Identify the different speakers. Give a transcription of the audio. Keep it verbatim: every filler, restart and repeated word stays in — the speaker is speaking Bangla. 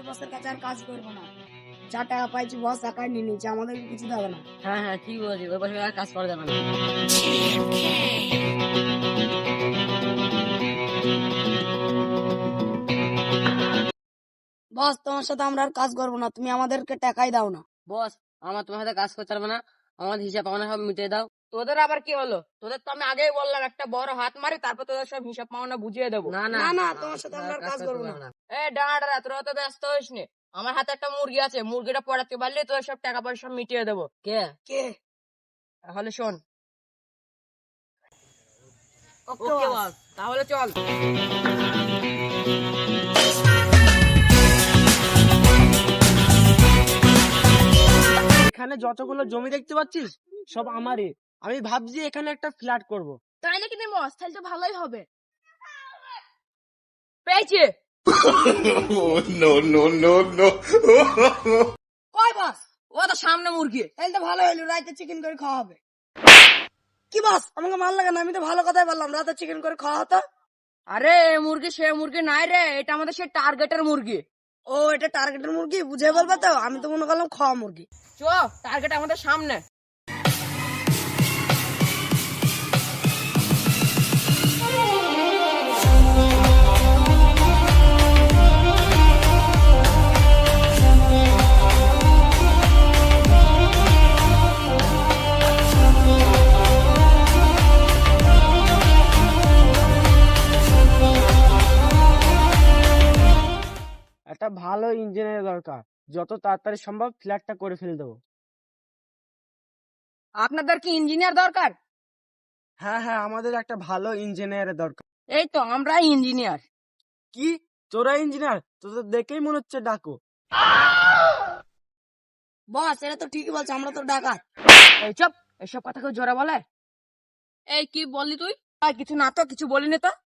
Speaker 1: বসের কাছে আর কাজ করবো না। যা টাকা পাইছি বস একাই নিয়ে নিচ্ছে, আমাদের কিছু দেবে না।
Speaker 2: হ্যাঁ হ্যাঁ ঠিক বলছি, ওই বছর আর কাজ করা যাবে না।
Speaker 1: বস তোমার সাথে আমরা আর কাজ করবো না, তুমি আমাদেরকে টাকাই দাও না।
Speaker 2: বস আমার তোমার সাথে কাজ করতে পারবে না, আমার হিসাব পাওনা সব মিটিয়ে দাও।
Speaker 3: তোদের আবার কি হলো? তোদের তো আমি আগেই বললাম একটা বড় হাত মারি, তারপর তোদের সব হিসাব পাওনা বুঝিয়ে দেবো।
Speaker 2: না না
Speaker 1: না না তোমার সাথে আমরা আর কাজ করবো না।
Speaker 3: এ ডাঁড়া, তোরা তো ব্যস্ত হইস নি। আমার হাতে একটা মুরগি আছে, মুরগিটা পড়াতে পারলে তোদের সব টাকা পয়সা সব মিটিয়ে দেবো।
Speaker 2: কে?
Speaker 1: কে?
Speaker 3: তাহলে শোন।
Speaker 1: ওকে
Speaker 3: ওকে
Speaker 1: বস।
Speaker 3: বস, তাহলে চল।
Speaker 4: এখানে যতগুলো জমি দেখতে পাচ্ছিস সব আমারই। আমি ভাবছি এখানে একটা ফ্ল্যাট করব।
Speaker 3: তাই নাকি বস? তাহলে তো ভালোই হবে। পেয়েছি।
Speaker 5: Oh, no, no, no, no.
Speaker 1: কয় বস?
Speaker 3: ও তো সামনে মুরগি।
Speaker 1: তাহলে তো ভালো হইলো, রাতে চিকেন করে খাওয়া হবে। কি বস আমাকে মাল লাগে না, আমি তো ভালো কথাই বললাম, রাতে চিকেন করে খাওয়া হতো।
Speaker 3: আরে এ মুরগি সে মুরগি নাই রে, এটা আমাদের সে টার্গেটের মুরগি।
Speaker 1: ও এটা টার্গেটের মুরগি, বুঝে বলবে তো, আমি তো মনে করলাম খাওয়া মুরগি।
Speaker 3: চ, টার্গেট আমাদের সামনে।
Speaker 4: একটা ভালো ইঞ্জিনিয়ার দরকার, যত তাড়াতাড়ি সম্ভব ফ্ল্যাটটা করে ফেলে দেবো।
Speaker 3: আপনাদের কি ইঞ্জিনিয়ার দরকার?
Speaker 4: হ্যাঁ হ্যাঁ, আমাদের একটা ভালো ইঞ্জিনিয়ারের দরকার।
Speaker 3: এই তো আমরা ইঞ্জিনিয়ার।
Speaker 4: কি তোরা ইঞ্জিনিয়ার? তোদের দেখেই মনে হচ্ছে ডাকো।
Speaker 1: বস এটা তো ঠিকই বলছে, আমরা তো ডাকাত।
Speaker 3: এই চুপ, এসব কথা কেউ জোরে বলে? এই কি বললি তুই? আর কিছু না তো, কিছু বলিনি তো।